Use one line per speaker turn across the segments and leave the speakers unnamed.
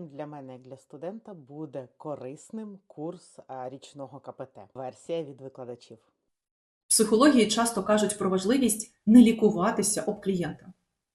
чим для мене, як для студента, буде корисним курс річного КПТ? Версія від викладачів.
В психології часто кажуть про важливість не лікуватися об клієнта.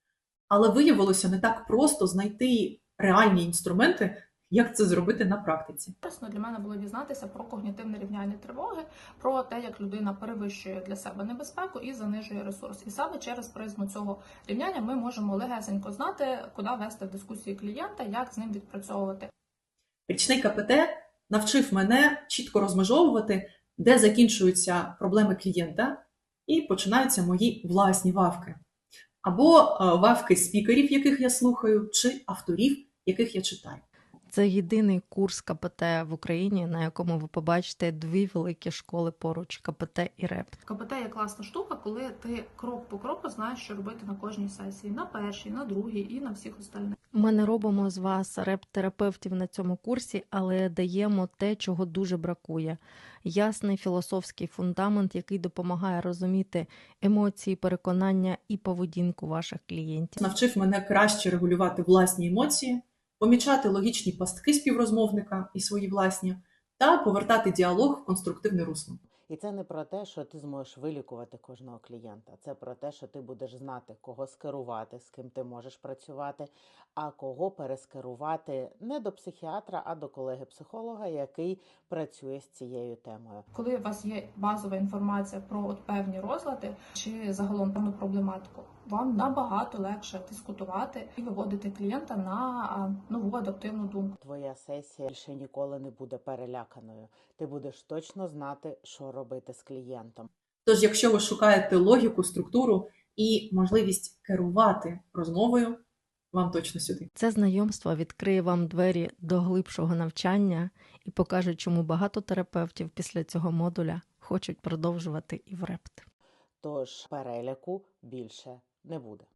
Але виявилося не так просто знайти реальні інструменти, як це зробити на практиці.
Корисно для мене було дізнатися про когнітивне рівняння тривоги, про те, як людина перевищує для себе небезпеку і занижує ресурс. І саме через призму цього рівняння ми можемо легесенько знати, куди вести в дискусії клієнта, як з ним відпрацьовувати.
Річний КПТ навчив мене чітко розмежовувати, де закінчуються проблеми клієнта і починаються мої власні вавки. Або вавки спікерів, яких я слухаю, чи авторів, яких я читаю.
Це єдиний курс КПТ в Україні, на якому ви побачите дві великі школи поруч – КПТ і РЕПТ.
КПТ є класна штука, коли ти крок по кроку знаєш, що робити на кожній сесії, на першій, на другій і на всіх остальних.
Ми не робимо з вас реп-терапевтів на цьому курсі, але даємо те, чого дуже бракує. Ясний філософський фундамент, який допомагає розуміти емоції, переконання і поведінку ваших клієнтів.
Навчив мене краще регулювати власні емоції, помічати логічні пастки співрозмовника і свої власні, та повертати діалог в конструктивне русло.
І це не про те, що ти зможеш вилікувати кожного клієнта. Це про те, що ти будеш знати, кого скерувати, з ким ти можеш працювати, а кого перескерувати не до психіатра, а до колеги-психолога, який працює з цією темою.
Коли у вас є базова інформація про певні розлади чи загалом певну проблематику, вам набагато легше дискутувати і виводити клієнта на нову адаптивну думку.
Твоя сесія більше ніколи не буде переляканою. Ти будеш точно знати, що робити з клієнтом.
Тож, якщо ви шукаєте логіку, структуру і можливість керувати розмовою, вам точно сюди.
Це знайомство відкриє вам двері до глибшого навчання і покаже, чому багато терапевтів після цього модуля хочуть продовжувати і в РЕПТ.
Тож переляку більше не буде.